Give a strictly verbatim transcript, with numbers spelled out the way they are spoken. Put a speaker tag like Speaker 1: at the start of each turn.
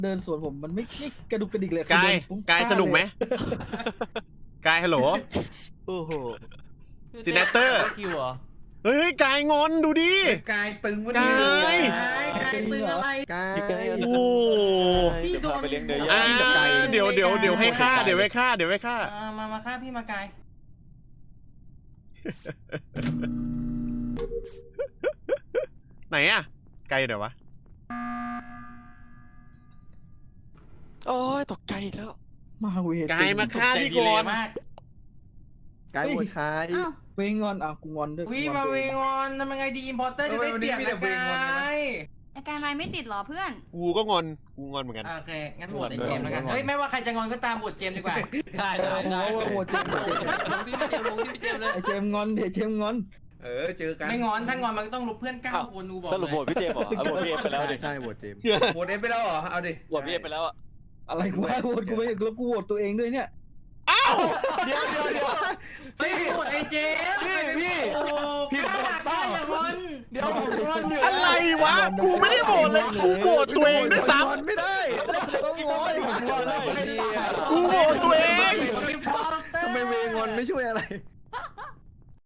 Speaker 1: เดินสวนผมมันไม่ไม่กระดุกกระดิกเลย
Speaker 2: กายกายสนุกไหมกายฮัลโหล
Speaker 3: โอ้โห
Speaker 2: ซินเนเตอร์เฮ้ยกายงอนดูดิ
Speaker 4: กายตึงวะ
Speaker 2: กา
Speaker 4: เนี่ย
Speaker 2: ย
Speaker 4: กายตึงอะไร
Speaker 3: กาย
Speaker 2: โอ้
Speaker 3: พี่โดนไปเลี้ยงเนื้
Speaker 2: อ่า
Speaker 3: อย่าง
Speaker 2: เดี๋ยวเดี๋ยวเดี๋ยวให้ฆ่าเดี๋ยวให้ฆ่าเดี๋ยวให้ฆ่า
Speaker 4: มามาฆ่าพี่มากาย
Speaker 2: ไหนอะไกลเดี๋ยววะ
Speaker 3: โอ้ยตกใจอีกแล้ว
Speaker 1: มาเวท
Speaker 2: กายมาฆ่าพี่ก่อน
Speaker 3: กายปวดคาย
Speaker 5: อ้าว
Speaker 1: เวงอนอ่ะกูงอนด้วย
Speaker 4: วิมาเวงอนทำยังไงดีอิมพอร์เตอร์จะได้เปลี่ยนนะกาย
Speaker 5: อาการนายไม่ติดเหรอเพื่อน
Speaker 2: กูก็งอนกูงอนเหมือนกัน
Speaker 4: โอเคงั้นโหวตไอ้เจมส์แล้วกันเฮ้ยไม่ว่าใครจะงอนก็ตามโหวตเจมส์ดีกว่า
Speaker 6: ได้ได้ได้
Speaker 1: โอ้โหเจมส์
Speaker 6: ลงที่พี่เจมส์ลงที่พี่เจมส์เลย
Speaker 1: ไอเจมส์งอนเดี๋ยวเจมส์งอน
Speaker 4: เออเจอกันไม่งอนถ้างอนมันก็ต้องลบเพื่อนเก้าคนนูบอก
Speaker 3: สรุปโหวตพี่เจมส์เหรอเอาโหวตพี่เอ็มไปแล้วดิ
Speaker 7: ใช่โหวตเจมส์
Speaker 4: โหวตเอ็มไปแล้วเหรอเอาดิ
Speaker 3: โหวตพี่เอ็มไปแล้วอะ
Speaker 1: อะไรกูให้โหวตกูไม่แล้วกูโหวตตัวเองด้วยเนี่ย
Speaker 3: เดี๋ยวเดี๋ยวเดี๋ยว
Speaker 4: เฮ้ยโหวตไอ้เจมส์
Speaker 3: พี่พี่
Speaker 4: โอ้พี่โหวตป้าอย่างงอน
Speaker 3: เดี๋ยวผมงอนอยู่
Speaker 2: อะไรวะกูไม่ได้โหวตเลยกูโหวตตัวเองด้วยซ้
Speaker 7: ไม่ได้ต้องงอน
Speaker 3: ผมงอนแล้ว
Speaker 2: ำกูโหวตตัวเอง
Speaker 7: ทำไมเวงอนไม่ช่วยอะไร